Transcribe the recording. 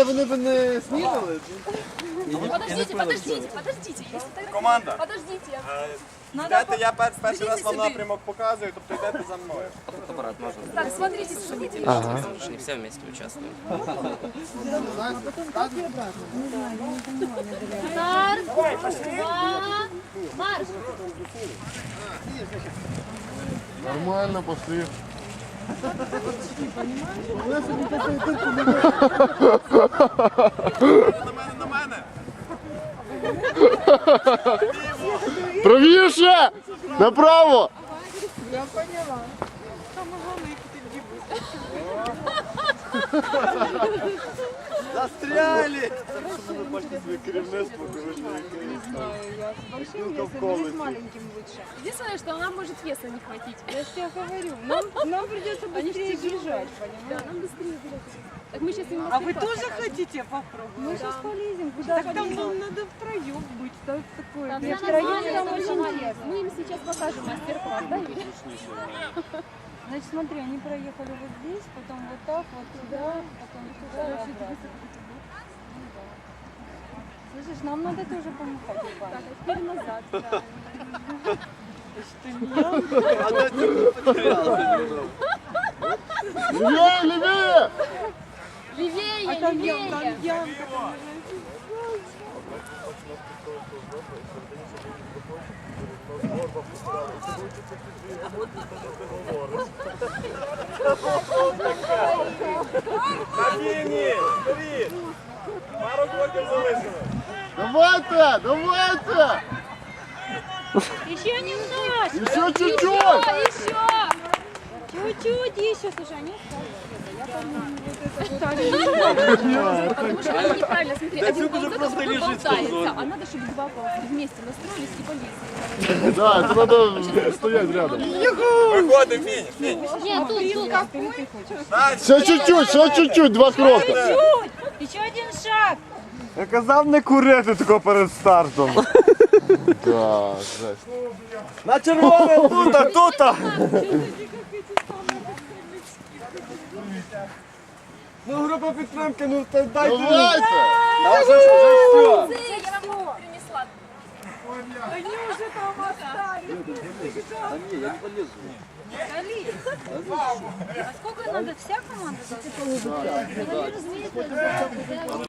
вони б не снідали. Подождите. Команда. Подождите. Йдете, я перший раз вам напрямок показую, тобто йдете за мною. Аппарат можно. Так, смотрите, смотрите. Не все вместе участвуем. Марш! Марш! Нормально, пошли. На мене. Правіше! Направо! Я поняла. Застряли! Ви бачите своє керівництво, коротше. Не знаю, я с большим весом или с маленьким лучше. Единственное, что нам может веса не хватить. Я же тебе говорю, нам придется быстрее бежать, Да, понимаешь? нам быстрее бежать. Так мы сейчас им А вы тоже хотите попробовать? Мы сейчас полезем, куда Так там полезем? нам надо втроем быть, так такое. Там Нет, все втроем нормально, нам там очень все нормально. интересно. Мы им сейчас покажем мастер-класс, да, Юля? Значит, смотри, они проехали вот здесь, потом вот так, вот туда, потом туда и обратно. Ну да. Слышишь, нам надо тоже помахать Так, руками. а теперь назад, правильно. А де ти потерялся? Лівее, лівее! Левее, А там левее. ямка, там Кабіні! Вперед! Пару кроків залишили. Давайте, давайте! Еще немножко! Еще чуть-чуть! Еще! Чуть-чуть еще, слушай, они Потому что это неправильно, смотри, один Отсюда же ползет, просто а другой лежит болтается. ползет. А надо, чтобы два ползать вместе настроились и полезли. Да, это надо стоять рядом. Виходимо, фініш, фініш. Нет, тут. Дальше. Ще чуть-чуть, два кроки. Еще один шаг! Я казав не курити тако перед стартом. Да, жесть. На червоне, тута, тута. Ну, група підтримки, ну дайте. Давайте! А вже все. Я вам принесла. они уже там остались. А сколько надо? Вся команда должна?